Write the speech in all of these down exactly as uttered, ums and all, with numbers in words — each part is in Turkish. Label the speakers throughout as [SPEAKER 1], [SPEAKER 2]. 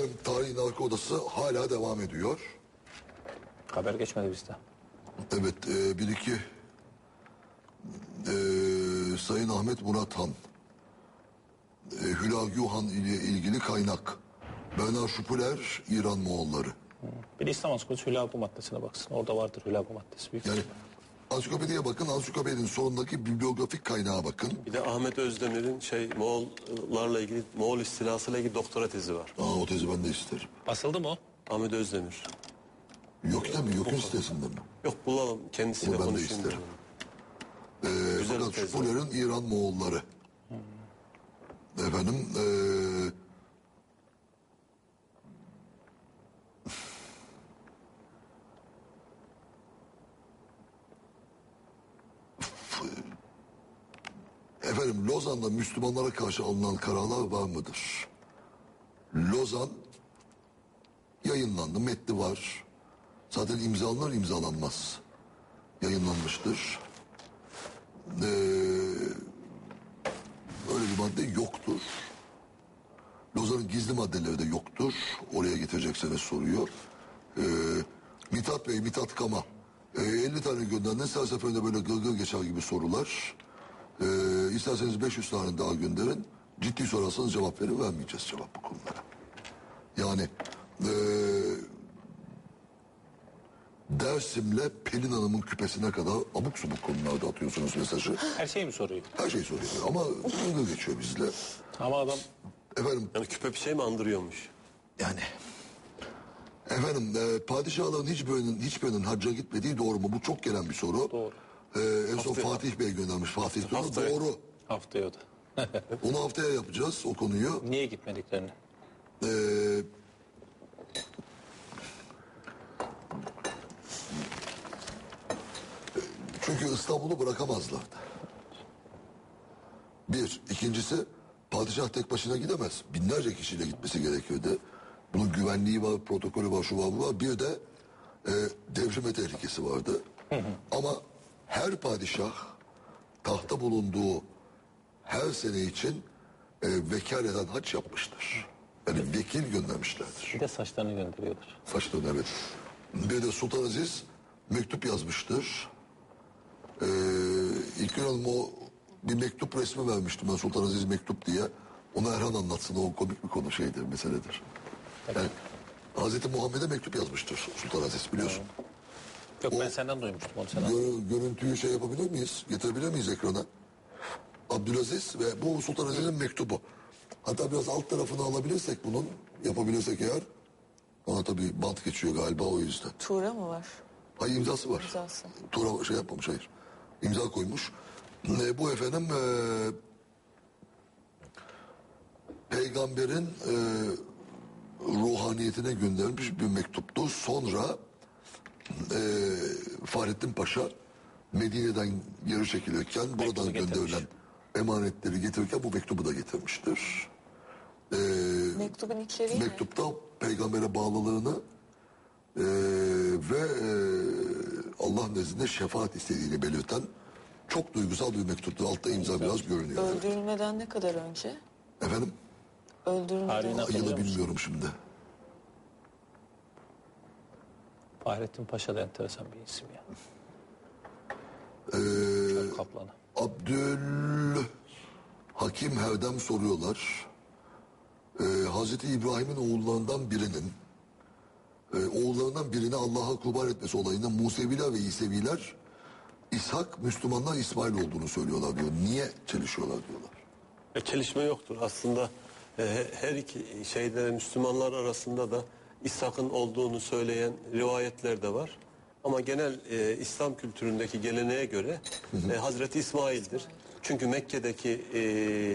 [SPEAKER 1] Efendim tarihin arka odası hala devam ediyor.
[SPEAKER 2] Haber geçmedi bizde.
[SPEAKER 1] Evet e, bir iki e, Sayın Ahmet Murat Han, e, Hülagü Han ile ilgili kaynak. Bernard Şupuler, İran Moğolları.
[SPEAKER 2] Bir de İslam Ansiklopedisi Hülagü maddesine baksın. Orada vardır Hülagü maddesi. Büyük
[SPEAKER 1] Yani ansiklopediye bakın, ansiklopedinin sonundaki bibliografik kaynağa bakın.
[SPEAKER 3] Bir de Ahmet Özdemir'in şey Moğollarla ilgili, Moğol istilasıyla ilgili doktora tezi var.
[SPEAKER 1] Aa, o tezi ben de isterim.
[SPEAKER 2] Basıldı mı o?
[SPEAKER 3] Ahmet Özdemir.
[SPEAKER 1] Yok değil mi? Yok'un sitesinde mi?
[SPEAKER 3] Yok, bulalım, kendisiyle
[SPEAKER 1] Onu ben de
[SPEAKER 3] konuşayım.
[SPEAKER 1] isterim. Ee,
[SPEAKER 3] Güzel
[SPEAKER 1] fakat
[SPEAKER 3] bir tez
[SPEAKER 1] Şupuler'in İran Moğolları. Hmm. Efendim ee, efendim Lozan'da Müslümanlara karşı alınan kararlar var mıdır? Lozan yayınlandı, metni var. Zaten imzalanır imzalanmaz yayınlanmıştır. Ee, öyle bir madde yoktur. Lozan'ın gizli maddeleri de yoktur. Oraya getirecekseniz soruyor. Ee, Mithat Bey, Mithat Kama. Ee, elli tane gönderdiniz. Her seferinde böyle gırgır geçer gibi sorular. Ee, isterseniz beş yüz tane daha gönderin. Ciddi sorarsanız cevap verir, vermeyeceğiz cevap bu konulara. Yani ee, Dersim'le Pelin Hanım'ın küpesine kadar abuk subuk konularda atıyorsunuz mesajı.
[SPEAKER 2] Her şeyi mi soruyor?
[SPEAKER 1] Her şey soruyor ama gırgır geçiyor bizle.
[SPEAKER 2] Ama adam
[SPEAKER 1] Efendim
[SPEAKER 3] Yani küpe bir şey mi andırıyormuş?
[SPEAKER 1] yani efendim e, padişahların hiçbirinin hiçbirinin hacca gitmediği doğru mu? Bu çok gelen bir soru.
[SPEAKER 2] Doğru.
[SPEAKER 1] E, en son
[SPEAKER 3] Haftaya-
[SPEAKER 1] Fatih Bey göndermiş. Fatih Sultan
[SPEAKER 3] Haftaya-
[SPEAKER 1] doğru.
[SPEAKER 2] haftaya o da.
[SPEAKER 1] Onu haftaya yapacağız o konuyu.
[SPEAKER 2] Niye gitmediklerini?
[SPEAKER 1] E, çünkü İstanbul'u bırakamazlardı. Bir. İkincisi padişah tek başına gidemez. Binlerce kişiyle gitmesi gerekiyordu. Bunun güvenliği var, protokolü var, şu var, bu var. Bir de e, devrime tehlikesi vardı. Ama her padişah tahta bulunduğu her sene için e, vekaleten haç yapmıştır. Yani vekil göndermişlerdir.
[SPEAKER 2] Bir de saçlarını gönderiyorlar.
[SPEAKER 1] Saçlarını evet. Bir de Sultan Aziz mektup yazmıştır. Ee, İlk Hanım o bir mektup resmi vermiştim ben, Sultan Aziz mektup diye. Onu Erhan anlatsın, o komik bir konu şeydir, meseledir. Yani Hazreti Muhammed'e mektup yazmıştır Sultan Aziz, biliyorsun.
[SPEAKER 2] Yok
[SPEAKER 1] O-
[SPEAKER 2] ben senden duymuştum onu sen.
[SPEAKER 1] Gö- görüntüyü şey yapabilir miyiz? Getirebilir miyiz ekrana? Abdülaziz ve bu Sultan Aziz'in mektubu. Hatta biraz alt tarafını alabilirsek bunun, yapabilirsek eğer. Ama tabii bant geçiyor galiba, o yüzden.
[SPEAKER 4] Tuğra mı var?
[SPEAKER 1] Hayır, imzası var.
[SPEAKER 4] İmzası.
[SPEAKER 1] Tuğra şey yapmamış, hayır. İmza koymuş. E, bu efendim e, peygamberin e, ruhaniyetine gönderilmiş bir mektuptu. Sonra e, Fahrettin Paşa Medine'den geri çekilirken buradan
[SPEAKER 2] getirmiş.
[SPEAKER 1] gönderilen emanetleri getirirken bu mektubu da getirmiştir. E,
[SPEAKER 4] Mektubun içeriği ne?
[SPEAKER 1] mektupta peygambere bağlılığını e, ve e, Allah nezdinde şefaat istediğini belirten çok duygusal bir mektuptu. Altta imza biraz görünüyor. Evet.
[SPEAKER 4] Öldürülmeden ne kadar önce?
[SPEAKER 1] Efendim?
[SPEAKER 4] Öldürülmeden
[SPEAKER 2] Tarihini hatırlıyor
[SPEAKER 1] Yılı
[SPEAKER 2] musun?
[SPEAKER 1] bilmiyorum şimdi.
[SPEAKER 2] Fahrettin Paşa da enteresan bir isim ya.
[SPEAKER 1] Ee,
[SPEAKER 2] Çöl kaplanı.
[SPEAKER 1] Abdül Hakim Herdem soruyorlar. Ee, Hazreti İbrahim'in oğullarından birinin e, oğullarından birini Allah'a kurban etmesi olayında Museviler ve İseviler İshak Müslümanlar İsmail olduğunu söylüyorlar diyor. Niye çelişiyorlar diyorlar.
[SPEAKER 3] E, çelişme yoktur. Aslında e, her iki şeyde Müslümanlar arasında da İshak'ın olduğunu söyleyen rivayetler de var. Ama genel e, İslam kültüründeki geleneğe göre e, Hazreti İsmail'dir. Çünkü Mekke'deki e,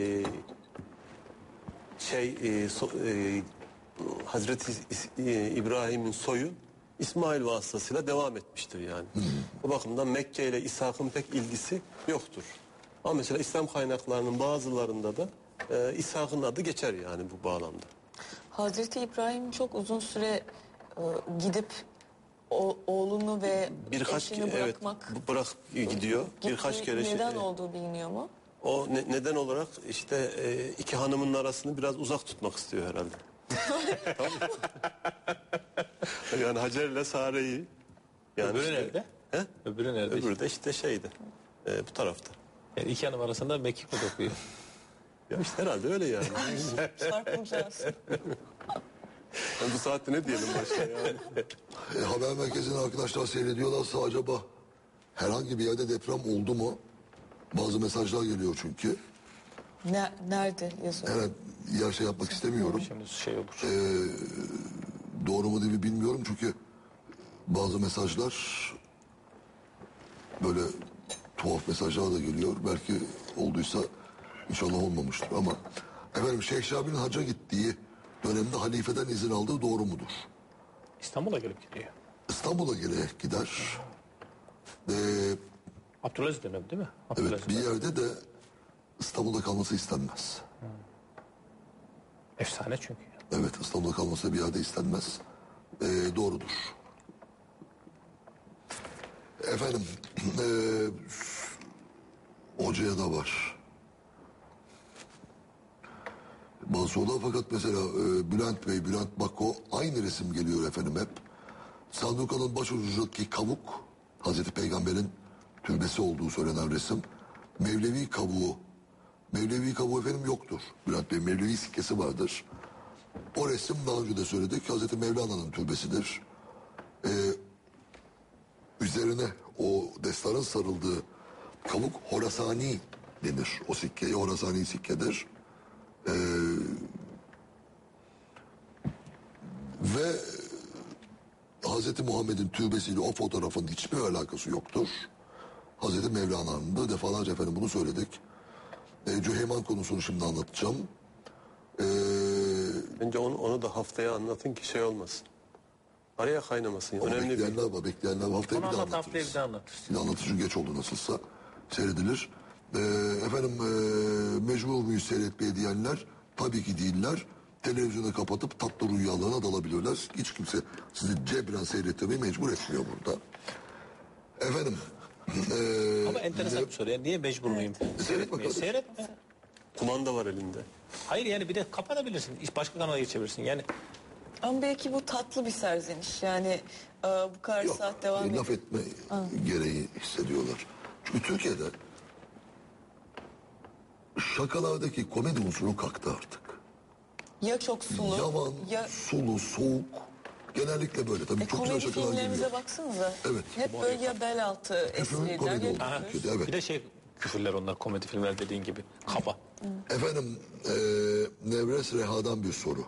[SPEAKER 3] şey e, so, e, Hazreti İs- e, İbrahim'in soyu İsmail vasıtasıyla devam etmiştir yani. Bu bakımdan Mekke ile İshak'ın pek ilgisi yoktur. Ama mesela İslam kaynaklarının bazılarında da e, İshak'ın adı geçer yani bu bağlamda.
[SPEAKER 4] Hazreti İbrahim çok uzun süre e, gidip o, oğlunu ve
[SPEAKER 3] Birkaç
[SPEAKER 4] eşini
[SPEAKER 3] evet
[SPEAKER 4] bırakmak
[SPEAKER 3] bırak gidiyor.
[SPEAKER 4] gittiği
[SPEAKER 3] Birkaç kere şey-
[SPEAKER 4] neden olduğu biliniyor mu?
[SPEAKER 3] o ne- neden olarak işte e, iki hanımın arasını biraz uzak tutmak istiyor herhalde. Yani Hacer ile Sare'yi. Yani
[SPEAKER 2] Öbürü
[SPEAKER 3] işte-
[SPEAKER 2] nerede?
[SPEAKER 3] He?
[SPEAKER 2] Öbürü nerede?
[SPEAKER 3] Öbürü de işte şeydi. e, bu tarafta.
[SPEAKER 2] Yani iki hanım arasında mekik mi dokuyor?
[SPEAKER 3] Ya işte herhalde öyle yani.
[SPEAKER 4] Çarpılacağız.
[SPEAKER 3] Yani bu saatte ne diyelim başka yani.
[SPEAKER 1] E, haber merkezini arkadaşlar seyrediyorlarsa acaba herhangi bir yerde deprem oldu mu? Bazı mesajlar geliyor çünkü.
[SPEAKER 4] Ne, nerede yazıyor?
[SPEAKER 1] Evet, yer şey yapmak istemiyorum.
[SPEAKER 2] Şimdi şey olur.
[SPEAKER 1] Doğru mu değil mi bilmiyorum çünkü bazı mesajlar böyle tuhaf mesajlar da geliyor. Belki olduysa inşallah olmamıştır ama efendim Şeyh Şabi'nin hacca gittiği dönemde halifeden izin aldığı doğru mudur?
[SPEAKER 2] İstanbul'a gelip gidiyor.
[SPEAKER 1] İstanbul'a gelerek gider. Ee,
[SPEAKER 2] Abdülaziz dönemi değil mi? Abdülaziz
[SPEAKER 1] evet bir
[SPEAKER 2] dönemi.
[SPEAKER 1] yerde de İstanbul'da kalması istenmez.
[SPEAKER 2] Efsane çünkü.
[SPEAKER 1] Evet İstanbul'da kalması bir yerde istenmez. Ee, doğrudur. Efendim eee hocaya da var. Bazı sorular fakat mesela e, Bülent Bey, Bülent Bako aynı resim geliyor efendim hep. Sanduka'nın başucundaki kavuk Hazreti Peygamber'in türbesi olduğu söylenen resim. Mevlevi kavuğu. Mevlevi kavuğu efendim yoktur. Bülent Bey Mevlevi sikkesi vardır. O resim daha önce de söyledik Hazreti Mevlana'nın türbesidir. Eee Üzerine o destanın sarıldığı kavuk Horasani denir. O sikkeye Horasani sikkedir. Ee, ve Hazreti Muhammed'in türbesiyle o fotoğrafın hiçbir alakası yoktur. Hazreti Mevlana'nın da defalarca efendim bunu söyledik. Ee, Cüheyman konusunu şimdi anlatacağım. Ee,
[SPEAKER 3] Bence onu, onu da haftaya anlatın ki şey olmasın. Araya kaynamasın.
[SPEAKER 1] ama
[SPEAKER 3] Önemli bir...
[SPEAKER 1] bekleyenler var, bekleyenler var. Haftaya
[SPEAKER 2] Onu
[SPEAKER 1] bir daha
[SPEAKER 2] anlat haftaya
[SPEAKER 1] anlatırız.
[SPEAKER 2] bir daha anlatırsın.
[SPEAKER 1] Bir de anlatıcı geç oldu nasılsa seyredilir. Ee, efendim e, mecbur muyuz seyretmeye diyenler tabii ki değiller. Televizyonu kapatıp tatlı rüyalarına dalabilirler. Hiç kimse sizi cebren seyretmeyi mecbur etmiyor burada. Efendim. E,
[SPEAKER 2] Ama enteresan bir soru. Yani niye mecbur muyum? Seyretmeye.
[SPEAKER 1] bakalım.
[SPEAKER 2] Seyretme.
[SPEAKER 3] Kumanda var elinde.
[SPEAKER 2] Hayır yani bir de kapatabilirsin. Başka kanala geçebilirsin. Yani
[SPEAKER 4] Ama belki bu tatlı bir serzeniş. Yani e, bu kadar
[SPEAKER 1] yok,
[SPEAKER 4] saat devam
[SPEAKER 1] e,
[SPEAKER 4] ediyor.
[SPEAKER 1] laf etme gereği hissediyorlar. Çünkü Türkiye'de şakalardaki komedi unsuru kalktı artık.
[SPEAKER 4] Ya çok sulu
[SPEAKER 1] Yavan,
[SPEAKER 4] ya
[SPEAKER 1] sulu, soğuk. Genellikle böyle. Tabii
[SPEAKER 4] e,
[SPEAKER 1] çok güzel
[SPEAKER 4] komedi
[SPEAKER 1] şakalar
[SPEAKER 4] filmlerimize
[SPEAKER 1] geliyor.
[SPEAKER 4] baksanıza.
[SPEAKER 1] Evet.
[SPEAKER 4] Hep böyle ya bel altı espriler
[SPEAKER 1] komedi
[SPEAKER 4] ya
[SPEAKER 1] oldu.
[SPEAKER 2] aha,
[SPEAKER 1] Türkiye'de, evet.
[SPEAKER 2] bir de şey küfürler onlar komedi filmler dediğin gibi. Kaba.
[SPEAKER 1] Efendim, eee Nevres Reha'dan bir soru.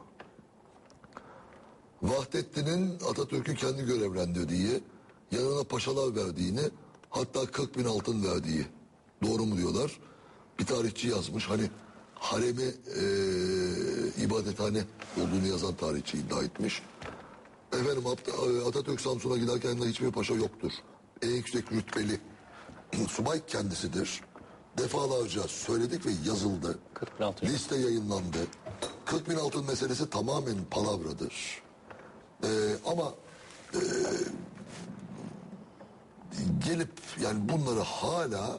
[SPEAKER 1] Vahdettin'in Atatürk'ü kendi görevlendirdiği, yanına paşalar verdiğini, hatta kırk bin altın verdiği doğru mu diyorlar? Bir tarihçi yazmış. Hani haremi eee ibadethane olduğunu yazan tarihçi iddia etmiş. Efendim At- Atatürk Samsun'a giderken yanında hiçbir paşa yoktur. En yüksek rütbeli subay kendisidir. Defalarca söyledik ve yazıldı.
[SPEAKER 2] kırk bin altın.
[SPEAKER 1] Liste yayınlandı. kırk bin altın meselesi tamamen palavradır. Ee, ama e, gelip yani bunları hala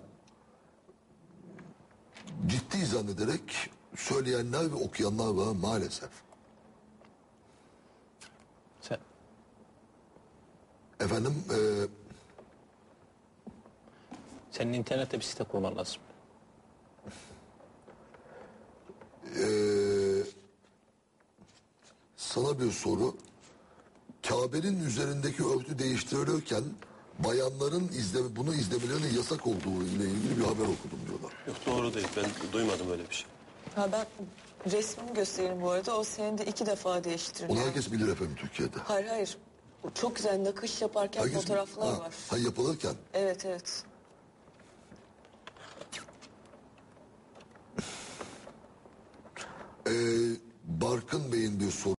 [SPEAKER 1] ciddi zannederek söyleyenler ve okuyanlar var maalesef.
[SPEAKER 2] Sen
[SPEAKER 1] Efendim e,
[SPEAKER 2] senin internette bir site kurman lazım.
[SPEAKER 1] e, sana bir soru. Kabe'nin üzerindeki örtü değiştirilirken bayanların izleme, bunu izlemelerinin yasak olduğu ile ilgili bir haber okudum diyorlar.
[SPEAKER 3] Yok doğru değil. Ben duymadım öyle bir şey.
[SPEAKER 4] Ha ben resmimi göstereyim bu arada. O senin de iki defa
[SPEAKER 1] Onu
[SPEAKER 4] değiştiriliyor.
[SPEAKER 1] herkes bilir efendim Türkiye'de.
[SPEAKER 4] Hayır hayır. Çok güzel nakış yaparken
[SPEAKER 1] Herkes,
[SPEAKER 4] fotoğraflar
[SPEAKER 1] ha,
[SPEAKER 4] var.
[SPEAKER 1] ha, yapılırken.
[SPEAKER 4] Evet evet.
[SPEAKER 1] Ee, Barkın Bey'in bir soru.